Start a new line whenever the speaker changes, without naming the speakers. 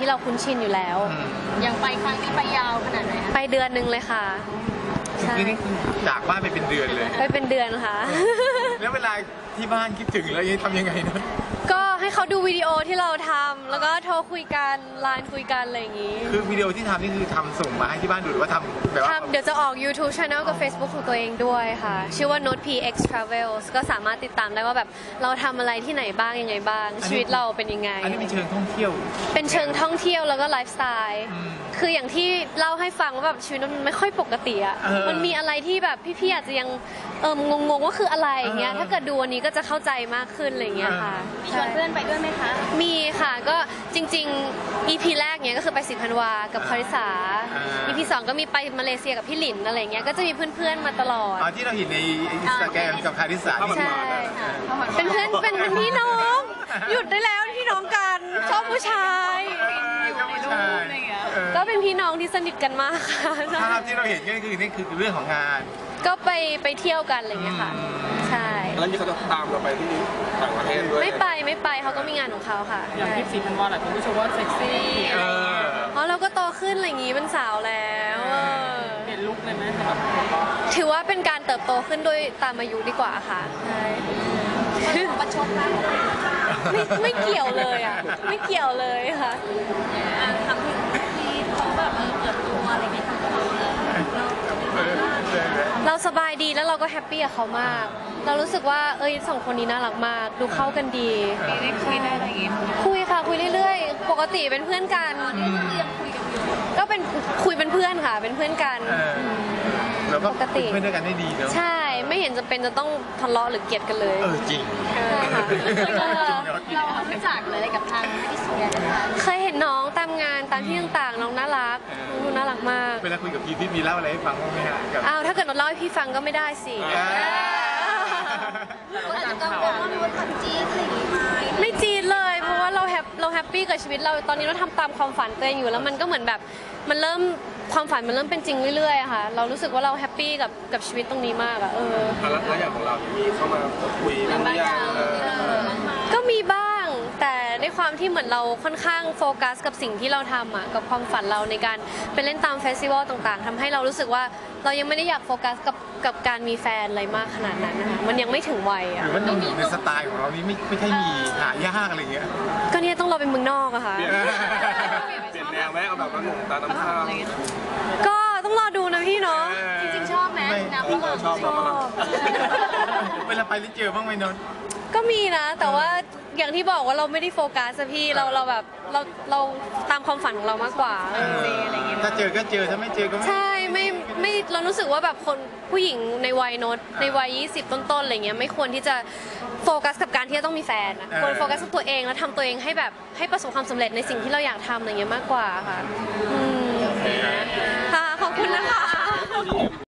ที่เราคุ้นชินอยู่แล้ว
อย่างไปครั้งนี้ไปยาวขนาดไหนคะ
ไปเดือนนึงเลยค่ะ
นี่คือจากบ้านไปเป็นเดือนเลย
ไปเป็นเดือนค่ะ
แล้วเวลาที่บ้านคิดถึงแล้วทำยังไงนะ
ก็ให้เขาดูวิดีโอที่เราทำแล้วก็โทรคุยกันไลน์คุยกันอะไรอย่างงี้
คือวิดีโอที่ทำนี่คือทำส่งมาให้ที่บ้านดูหรือว่าทำแบบว่า
เดี๋ยวจะออก YouTube Channel กับ Facebook ของตัวเองด้วยค่ะชื่อว่า Note PX Travels ก็สามารถติดตามได้ว่าแบบเราทำอะไรที่ไหนบ้างยังไงบ้างชีวิตเราเป็นยังไง
อันนี้เป็นเชิงท่องเที่ยว
เป็นเชิงท่องเที่ยวแล้วก็ไลฟ์สไตล์คืออย่างที่เล่าให้ฟังว่าแบบชีวิตมันไม่ค่อยปกติอ่ะมันมีอะไรที่แบบพี่ๆอาจจะยังงงว่าคืออะไรอย่างเงี้ยถ้าเกิดดูอันนี้ก็จะเข้าใจมากขึ้นอะไรอย่างเงี้ยค่ะ
มีชวนเพื่อนไปด้วยไหมคะ
มีค่ะก็จริงๆ EP แรกเนี้ยก็คือไป10 ธันวากับคาริสา EP 2ก็มีไปมาเลเซียกับพี่หลินอะไรเงี้ยก็จะมีเพื่อนๆมาตลอด
ที่เราเห็นในอินสตาแกรมกับคาริสา
ใช่เป็นเพื่อนเป็นพี่น้องหยุดได้แล้วพี่น้องกันชอบผู้ชายก็เป็นพี่น้องที่สนิทกันมากค่ะ
ภาพที่เราเห็นก็คือนี่คือเรื่องของงาน
ก็ไปเที่ยวกันอะไรเงี้ยค่ะใช่
แล้วนี่เขาจะตามเราไปที่ต่างประเทศด้วย
ไม่ไปเขาก็มีงานของเขาค่ะ
อย่างที่4 ธันวาคมหลายคนก็ชมว่าเซ็กซี่
เพราะเราก็โตขึ้นอะไรอย่างงี้เป็นสาวแล้ว
เปลี่ยนลุคเลยไหม
ถือว่าเป็นการเติบโตขึ้นด้วยตามอายุดีกว่าค่ะใช่
ประชดนะ
ไม่เกี่ยวเลยอ่ะไม่เกี่ยวเลยค่ะ
ทำที่เขาแบบเปิดตัวอะไรเงี้ย
เราสบายดีแล้วเราก็แฮปปี้กับเขามากเรารู้สึกว่าสองคนนี้น่ารักมากดูเข้ากันดี
ได้คุยได้อะไรอย่างงี้
คุยค่ะคุยเรื่อยๆปกติเป็นเพื่อนกัน
ยังคุยกันอยู่
ก็เป็นคุยเป็นเพื่อนค่ะเป็นเพื่อนกัน
แล้วก็ปกติเพื่อนด้วยกันได้ดีเนาะ
ใช่ไม่เห็นจะเป็นจะต้องทะเลาะหรือเกลียดกันเลย
จริง
ใช่ค่ะ
เรารู้จักเลยกับทางที่สุด
เคยเห็นน้องตามงานตามที่ต่างๆน้องน่ารักดูน่ารักมาก
เวลาคุยกับพี่มีเล่าอะไรให้ฟังบ้างไหมฮะ
ถ้าเกิดเราเล่าให้พี่ฟังก็ไม่ได้สิ
อาจจะกังวลว่ามีว่าทำจี๊ดอะไรอย่างงี้ไหม
ไม่จี๊ดเลยเพราะว่าเราแฮปปี้กับชีวิตเราตอนนี้เราทำตามความฝันตัวเองอยู่แล้วมันก็เหมือนแบบมันเริ่มความฝันมันเริ่มเป็นจริงเรื่อยๆค่ะเรารู้สึกว่าเราแฮปปี้กับชีวิตตรงนี้มากอะ
แล้วอย่างของเรามีเข้ามาคุยบ้างหรือยัง
ก็มีบ้างแต่ในความที่เหมือนเราค่อนข้างโฟกัสกับสิ่งที่เราทำกับความฝันเราในการไปเล่นตามเฟสติวัลต่างๆทำให้เรารู้สึกว่าเรายังไม่ได้อยากโฟกัสกับการมีแฟนอะไรมากขนาดนั้นนะคะมันยังไม่ถึงวัย
หรือว่าหนุ่มในสไตล์ของเรานี่ไม่ใช่มีหายากอะไรเงี้ย
ก็เนี่ยต้องเราเป็นเมืองนอกอะค่ะ
เปลี่ยนแนวไหมเอาแบบว่าหนุ่มตาน้ำข้าว
ก็ต้องรอดูนะพี่เนาะ
จริงๆชอบไหมน้ำฝรั่ง
ชอบ
เวลาไปแล้วเจอบ้างไหมนนท์
ก็มีนะแต่ว่าอย่างที่บอกว่าเราไม่ได้โฟกัสพี่เราแบบเราตามความฝันของเรามากกว่าอะไรเงี้ย
ถ้าเจอก็เจอถ้าไม่เจอก็
ใช่ไม่เรารู้สึกว่าแบบคนผู้หญิงในวัยโน้ตในวัย20ต้นๆอะไรเงี้ยไม่ควรที่จะโฟกัสกับการที่จะต้องมีแฟนควรโฟกัสกับตัวเองแล้วทำตัวเองให้แบบให้ประสบความสำเร็จในสิ่งที่เราอยากทำอะไรเงี้ยมากกว่าค่ะค่ะขอบคุณนะคะ